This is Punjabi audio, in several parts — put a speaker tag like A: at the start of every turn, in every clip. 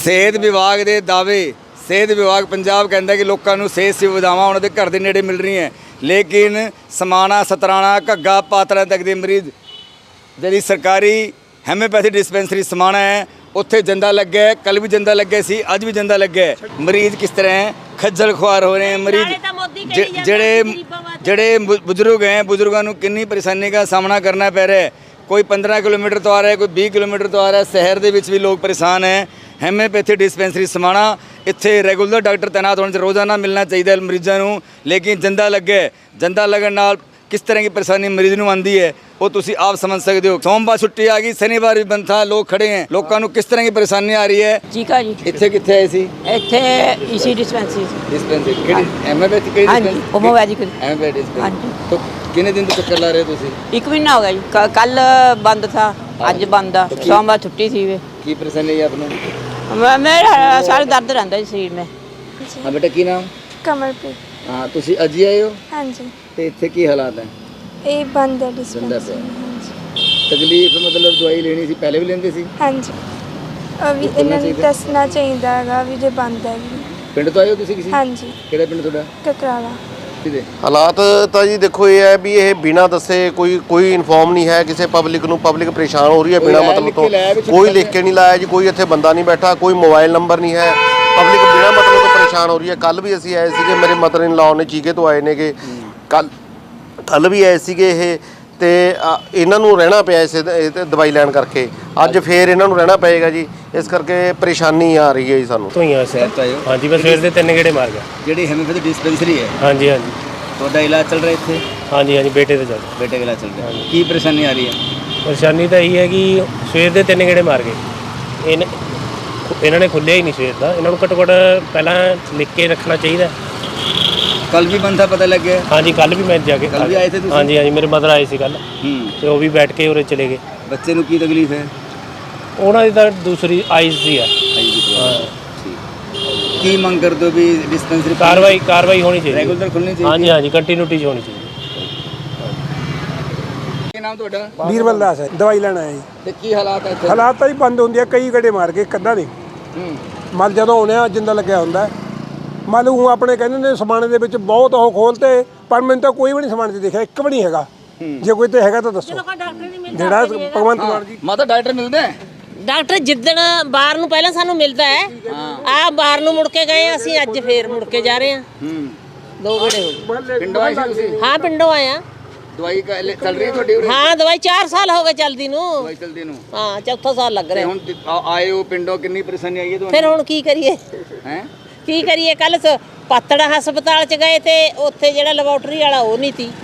A: ਸਿਹਤ ਵਿਭਾਗ ਦੇ ਦਾਅਵੇ ਸਿਹਤ ਵਿਭਾਗ ਪੰਜਾਬ ਕਹਿੰਦਾ ਕਿ ਲੋਕਾਂ ਨੂੰ ਸਿਹਤ ਸੁਵਿਧਾਵਾਂ ਉਹਨਾਂ ਦੇ ਘਰ ਦੇ ਨੇੜੇ ਮਿਲ ਰਹੀਆਂ, ਲੇਕਿਨ ਸਮਾਣਾ, ਸਤਰਾਣਾ, ਘੱਗਾ, ਪਾਤੜਾ ਤੱਕ ਦੇ ਮਰੀਜ਼ ਜਿਹੜੀ ਸਰਕਾਰੀ ਹੈਮੋਪੈਥੀ ਡਿਸਪੈਂਸਰੀ ਸਮਾਣਾ ਹੈ ਉੱਥੇ ਜੰਦਾ ਲੱਗਿਆ, ਕੱਲ ਵੀ ਜੰਦਾ ਲੱਗਿਆ ਸੀ, ਅੱਜ ਵੀ ਜੰਦਾ ਲੱਗਿਆ। ਮਰੀਜ਼ ਕਿਸ ਤਰ੍ਹਾਂ ਹੈ, ਖੱਜਲ ਖੁਆਰ ਹੋ ਰਹੇ हैं ਮਰੀਜ਼। ਜਿਹੜੇ ਬਜ਼ੁਰਗ हैं, ਬਜ਼ੁਰਗਾਂ ਨੂੰ ਕਿੰਨੀ ਪਰੇਸ਼ਾਨੀ ਦਾ ਸਾਹਮਣਾ ਕਰਨਾ ਪੈ ਰਿਹਾ ਹੈ। ਕੋਈ 15 ਕਿਲੋਮੀਟਰ ਤੋਂ ਆ ਰਿਹਾ ਹੈ, ਕੋਈ 20 ਕਿਲੋਮੀਟਰ ਤੋਂ ਆ ਰਿਹਾ ਹੈ। ਸ਼ਹਿਰ ਦੇ ਵਿੱਚ ਵੀ ਲੋਕ ਪਰੇਸ਼ਾਨ ਹੈ। ਹੈਮੋਪੈਥੀ ਡਿਸਪੈਂਸਰੀ ਸਮਾਣਾ ਇੱਥੇ ਰੈਗੂਲਰ ਡਾਕਟਰ ਤੈਨਾਤ ਹੋਣ 'ਚ ਰੋਜ਼ਾਨਾ ਮਿਲਣਾ ਚਾਹੀਦਾ ਮਰੀਜ਼ਾਂ ਨੂੰ, ਲੇਕਿਨ ਜੰਦਾ ਲੱਗਿਆ। ਜੰਦਾ ਲੱਗਣ ਨਾਲ किस तरह की परेशानी मरीज ਨੂੰ आती है वो तुसी आप समझ सकते हो। सोमवार छुट्टी आ गई, शनिवार भी बंद था, लोग खड़े हैं। लोगों को किस तरह की परेशानी आ रही है?
B: ठीक है जी।
A: इत्थे कित्थे आए सी?
B: इत्थे इसी डिस्पेंसरी
A: डिस्पेंसरी किहड़ी एमएपैथी किहड़ी?
B: हां जी, होम्योपैथिक।
A: एमएपैथी
B: हां जी।
A: तो कितने दिन तो चक्कर ला रहे हो तुसी?
B: एक महीना हो गया जी। कल बंद था, आज बंद है। सोमवार छुट्टी थी वे।
A: की परेशानी है आपने?
B: मेरा सारा दर्द रहता है शरीर में।
A: हां बेटा की नाम?
C: कमलप्रीत।
A: हां तुसी अज ही आए हो?
C: हाँ जी।
A: ते इत्थे की हालात है?
C: ये बंद है
A: बंद है।
C: डिस्पेंसरी। हाँ जी।
A: तकलीफ मतलब दवाई लेनी सी, पहले भी लेंदे सी?
C: हाँ जी। अभी इन्होंने दसना चाहिए हैगा भी जे बंद है।
A: पिंड तो आए हो तुसी किसी?
C: हाँ जी।
A: किहड़ा पिंड तुहाडा?
C: ककराला।
D: ਹਾਲਾਤ ਤਾਂ ਜੀ ਦੇਖੋ ਇਹ ਹੈ ਵੀ ਇਹ ਬਿਨਾਂ ਦੱਸੇ ਕੋਈ ਇਨਫੋਰਮ ਨਹੀਂ ਹੈ ਕਿਸੇ ਪਬਲਿਕ ਨੂੰ। ਪਬਲਿਕ ਪਰੇਸ਼ਾਨ ਹੋ ਰਹੀ ਹੈ ਬਿਨਾਂ ਮਤਲਬ ਤੋਂ। ਕੋਈ ਲਿਖ ਕੇ ਨਹੀਂ ਲਾਇਆ ਜੀ, ਕੋਈ ਇੱਥੇ ਬੰਦਾ ਨਹੀਂ ਬੈਠਾ, ਕੋਈ ਮੋਬਾਈਲ ਨੰਬਰ ਨਹੀਂ ਹੈ। ਪਬਲਿਕ ਬਿਨਾਂ ਮਤਲਬ ਤੋਂ ਪਰੇਸ਼ਾਨ ਹੋ ਰਹੀ ਹੈ। ਕੱਲ ਵੀ ਅਸੀਂ ਆਏ ਸੀਗੇ, ਮੇਰੇ ਮਦਰ ਇਨ ਲਾਅ ਨੇ ਚੀਕੇ ਤੋਂ ਆਏ ਨੇਗੇ, ਕੱਲ ਵੀ ਆਏ ਸੀਗੇ ਇਹ, ਤੇ ਇਹਨਾਂ ਨੂੰ ਰਹਿਣਾ ਪਿਆ ਇਸ ਦਵਾਈ ਲੈਣ ਕਰਕੇ। ਅੱਜ ਫੇਰ ਇਹਨਾਂ ਨੂੰ ਰਹਿਣਾ ਪਏਗਾ ਜੀ, ਇਸ ਕਰਕੇ ਪਰੇਸ਼ਾਨੀ ਆ ਰਹੀ ਹੈ ਜੀ ਸਾਨੂੰ।
E: ਹਾਂਜੀ ਮੈਂ ਸਵੇਰ ਦੇ 3 ਗੇੜੇ ਮਾਰ ਗਿਆ।
A: ਜਿਹੜੀ ਹੈਮੋਪੈਥੀ ਡਿਸਪੈਂਸਰੀ ਹੈ? ਹਾਂਜੀ ਹਾਂਜੀ। ਤੁਹਾਡਾ ਇਲਾਜ ਚੱਲ ਰਿਹਾ ਇੱਥੇ? ਹਾਂਜੀ ਹਾਂਜੀ, ਬੇਟੇ ਦਾ ਇਲਾਜ ਚੱਲ ਰਿਹਾ। ਕੀ ਪਰੇਸ਼ਾਨੀ ਆ ਰਹੀ ਹੈ? ਪਰੇਸ਼ਾਨੀ ਤਾਂ ਇਹੀ ਹੈ ਕਿ ਸਵੇਰ ਦੇ 3 ਗੇੜੇ ਮਾਰ ਗਏ। ਇਹਨਾਂ ਨੇ ਖੁੱਲਿਆ ਹੀ ਨਹੀਂ ਸਵੇਰ ਦਾ। ਇਹਨਾਂ ਨੂੰ ਘੱਟੋ ਘੱਟ ਪਹਿਲਾਂ ਲਿਖ ਕੇ ਰੱਖਣਾ ਚਾਹੀਦਾ। कल भी बंद था, पता लग गया? हाँ जी, कल भी मैं जाके कल भी आए थे? हाँ जी हाँ जी, मेरे मदर आए थे कल, तो वो भी बैठ के उरे चले गए। बच्चे ਨੂੰ ਕੀ ਤਕਲੀਫ ਹੈ? ਉਹਨਾਂ ਦੀ ਤਾਂ ਦੂਸਰੀ ਆਈਜ਼ ਦੀ ਹੈ। ਕੀ ਮੰਗ ਕਰਦੇ ਹੋ ਵੀ ਡਿਸਪੈਂਸਰੀ ਕਾਰਵਾਈ ਹੋਣੀ ਚਾਹੀਦੀ, ਰੈਗੂਲਰ ਖੁੱਲਣੀ ਚਾਹੀਦੀ? हाँ जी हाँ जी, ਕੰਟੀਨਿਊਟੀ ਹੋਣੀ ਚਾਹੀਦੀ। ਕੀ ਨਾਮ ਤੁਹਾਡਾ?
F: ਵੀਰਬਲ ਦਾਸ ਹੈ। ਦਵਾਈ ਲੈਣ ਆਇਆ ਜੀ।
A: ਤੇ ਕੀ ਹਾਲਾਤ ਹੈ ਇੱਥੇ?
F: ਹਾਲਾਤ ਤਾਂ ਹੀ ਬੰਦ ਹੁੰਦੀ ਆ, ਕਈ ਗੇੜੇ ਮਾਰ ਕੇ ਕੱਦਾਂ ਨਹੀਂ। ਮਲ ਜਦੋਂ ਆਉਂਦੇ ਆ ਜਿੰਦਾ ਲੱਗਿਆ ਹੁੰਦਾ। ਮੰਨ ਲਓ ਆਪਣੇ ਕਹਿੰਦੇ ਨੇ ਸਮਾਣੇ ਦੇ ਵਿੱਚ ਬਹੁਤ ਉਹ ਖੋਲਤੇ, ਪਰ ਮੈਨੂੰ ਤਾਂ ਕੋਈ ਵੀ ਨਹੀਂ ਸਮਾਣੇ 'ਚ ਦੇਖਿਆ, ਇੱਕ ਵੀ ਨਹੀਂ ਹੈਗਾ। ਜੇ ਕੋਈ ਤੇ ਹੈਗਾ ਤਾਂ ਦੱਸੋ। ਜਿਹੜਾ ਭਗਵੰਤ ਮਾਨ ਜੀ
A: ਮਾਤਾ ਡਾਕਟਰ ਮਿਲਦੇ ਹੈ?
G: ਡਾਕਟਰ ਜਿੱਦਣ ਬਾਹਰ ਨੂੰ ਪਹਿਲਾਂ ਸਾਨੂੰ ਮਿਲਦਾ ਹੈ, ਆ ਬਾਹਰ ਨੂੰ ਮੁੜ ਕੇ ਗਏ, ਅਸੀਂ ਅੱਜ ਫੇਰ ਮੁੜ ਕੇ ਜਾ ਰਹੇ ਹਾਂ। 2 ਗੇੜੇ ਹੋ ਗਏ।
A: ਪਿੰਡੋਂ ਆਏ ਸੀ ਤੁਸੀਂ?
G: ਹਾਂ ਪਿੰਡੋਂ ਆਇਆ।
A: ਦਵਾਈ ਚੱਲ ਰਹੀ ਤੁਹਾਡੀ ਉਰੇ?
G: ਹਾਂ ਦਵਾਈ 4 ਸਾਲ ਹੋ ਗਏ ਚੱਲਦੀ ਨੂੰ।
A: ਦਵਾਈ ਚੱਲਦੀ ਨੂੰ?
G: ਹਾਂ, ਚੌਥਾ ਸਾਲ ਲੱਗ ਰਿਹਾ।
A: ਹੁਣ ਆਏ ਹੋ ਪਿੰਡੋਂ, ਕਿੰਨੀ ਪਰੇਸ਼ਾਨੀ ਆਈ ਹੈ ਤੁਹਾਨੂੰ?
G: ਫਿਰ ਹੁਣ ਕੀ ਕਰੀਏ?
A: ਹੈ
G: ਕੀ ਕਰੀਏ? ਕੱਲ ਪਾਤੜਾ ਹਸਪਤਾਲ ਚ ਗਏ ਤੇ ਉੱਥੇ ਜਿਹੜਾ ਲੈਬੋਰਟਰੀ ਵਾਲਾ ਉਹ ਨਹੀਂ ਸੀ,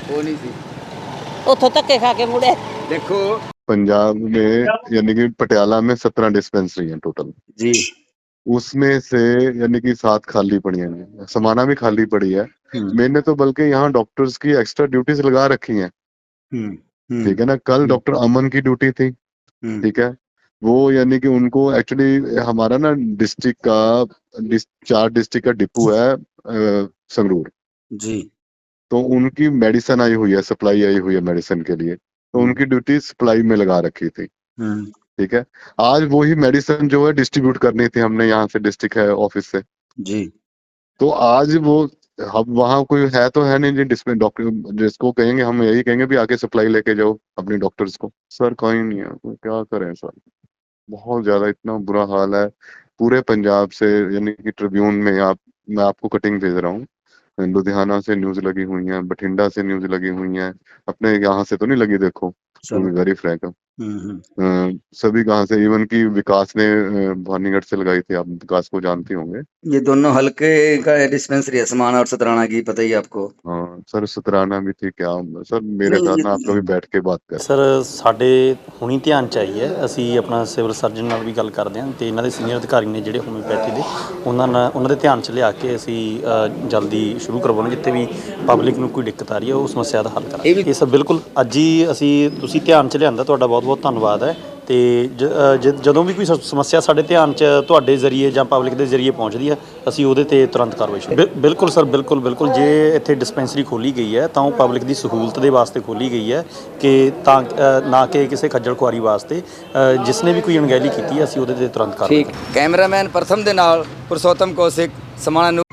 G: ਉੱਥੋਂ ਧੱਕੇ ਖਾ ਕੇ ਮੁੜੇ।
A: देखो
H: पंजाब में यानी कि पटियाला में 17 डिस्पेंसरी हैं टोटल
A: जी,
H: उसमें से यानी कि 7 खाली पड़ी हैं। समाना भी खाली पड़ी है। मैंने तो बल्कि यहाँ डॉक्टर्स की एक्स्ट्रा ड्यूटीज लगा रखी हैं। ठीक है ना। कल डॉक्टर अमन की ड्यूटी थी, ठीक है। वो यानी कि उनको एक्चुअली हमारा ना डिस्ट्रिक्ट का 4 डिस्ट्रिक्ट का डिपो है संगरूर
A: जी, तो
H: उनकी मेडिसिन आई हुई है, सप्लाई आई हुई है मेडिसिन के लिए, तो उनकी ड्यूटी सप्लाई में लगा रखी थी। ठीक है। आज वही मेडिसिन जो है डिस्ट्रीब्यूट करनी थी हमने यहाँ से डिस्ट्रिक्ट है ऑफिस से
A: जी।
H: तो आज वो अब वहाँ कोई है तो है नहीं जी डॉक्टर जिसको कहेंगे, हम यही कहेंगे भी आके सप्लाई लेके जाओ अपने डॉक्टर्स को। सर कोई नहीं है, तो क्या करें सर, बहुत ज्यादा इतना बुरा हाल है पूरे पंजाब से। यानी कि ट्रिब्यून में मैं आपको कटिंग भेज रहा हूँ, लुधियाना से न्यूज लगी हुई है, बठिंडा से न्यूज लगी हुई है, अपने यहाँ से तो नहीं लगी। देखो वेरी फ्रैंक, सभी कहाँ से, इवन की विकास ने भानीगढ़ से लगाई थी, आप विकास को जानते होंगे।
A: ये दोनों हल्के का डिस्पेंसरी है, समाना और सतराना की, पता ही आपको?
H: हाँ सर, सतराना भी थी क्या सर? मेरे साथ ना आप कभी बैठ के बात कर।
I: ਸਰ ਸਾਡੇ ਹੁਣੀ ਧਿਆਨ ਚ ਆਈ ਹੈ, ਅਸੀਂ ਆਪਣਾ ਸਿਵਲ ਸਰਜਨ ਨਾਲ ਵੀ ਗੱਲ ਕਰਦੇ ਹਾਂ ਤੇ ਇਹਨਾਂ ਦੇ ਸੀਨੀਅਰ ਅਧਿਕਾਰੀ ਨੇ ਜਿਹੜੇ ਹੋਮਿਓਪੈਥੀ ਦੇ, ਉਹਨਾਂ ਦੇ ਧਿਆਨ ਚ ਲਿਆ ਕੇ ਅਸੀਂ ਜਲਦੀ ਸ਼ੁਰੂ ਕਰਵਾਉਣਾ। ਜਿੱਥੇ ਵੀ ਪਬਲਿਕ ਨੂੰ ਕੋਈ ਦਿੱਕਤ ਆ ਰਹੀ ਹੈ ਉਹ ਸਮੱਸਿਆ ਦਾ ਹੱਲ ਕਰਾਂਗੇ। ਇਹ ਸਭ ਬਿਲਕੁਲ ਅੱਜ ਹੀ ਤੁਸੀਂ ਧਿਆਨ ਚ ਲਿਆਂਦਾ, ਤੁਹਾਡਾ ਬਹੁਤ ਬਹੁਤ ਧੰਨਵਾਦ ਹੈ। ਤੇ ਜਦੋਂ ਵੀ ਕੋਈ ਸਮੱਸਿਆ ਸਾਡੇ ਧਿਆਨ 'ਚ ਤੁਹਾਡੇ ਜ਼ਰੀਏ ਜਾਂ ਪਬਲਿਕ ਦੇ ਜ਼ਰੀਏ ਪਹੁੰਚਦੀ ਹੈ ਅਸੀਂ ਉਹਦੇ ਤੇ ਤੁਰੰਤ ਕਾਰਵਾਈ ਸ਼ੁਰੂ ਬਿਲਕੁਲ ਸਰ ਬਿਲਕੁਲ ਜੇ ਇੱਥੇ ਡਿਸਪੈਂਸਰੀ ਖੋਲੀ ਗਈ ਹੈ ਤਾਂ ਉਹ ਪਬਲਿਕ ਦੀ ਸਹੂਲਤ ਦੇ ਵਾਸਤੇ ਖੋਲੀ ਗਈ ਹੈ ਕਿ ਤਾਂ ਨਾ ਕਿ ਕਿਸੇ ਖੱਜਲ ਖੁਆਰੀ ਵਾਸਤੇ ਜਿਸ ਨੇ ਵੀ ਕੋਈ ਅਣਗਹਿਲੀ ਕੀਤੀ ਹੈ ਅਸੀਂ ਉਹਦੇ ਤੇ ਤੁਰੰਤ ਕਾਰਵਾਈ
A: ਠੀਕ। ਕੈਮਰਾਮੈਨ ਪ੍ਰਥਮ ਦੇ ਨਾਲ ਪੁਰਸ਼ੋਤਮ ਕੌਸ਼ਿਕ, ਸਮਾਣਾ।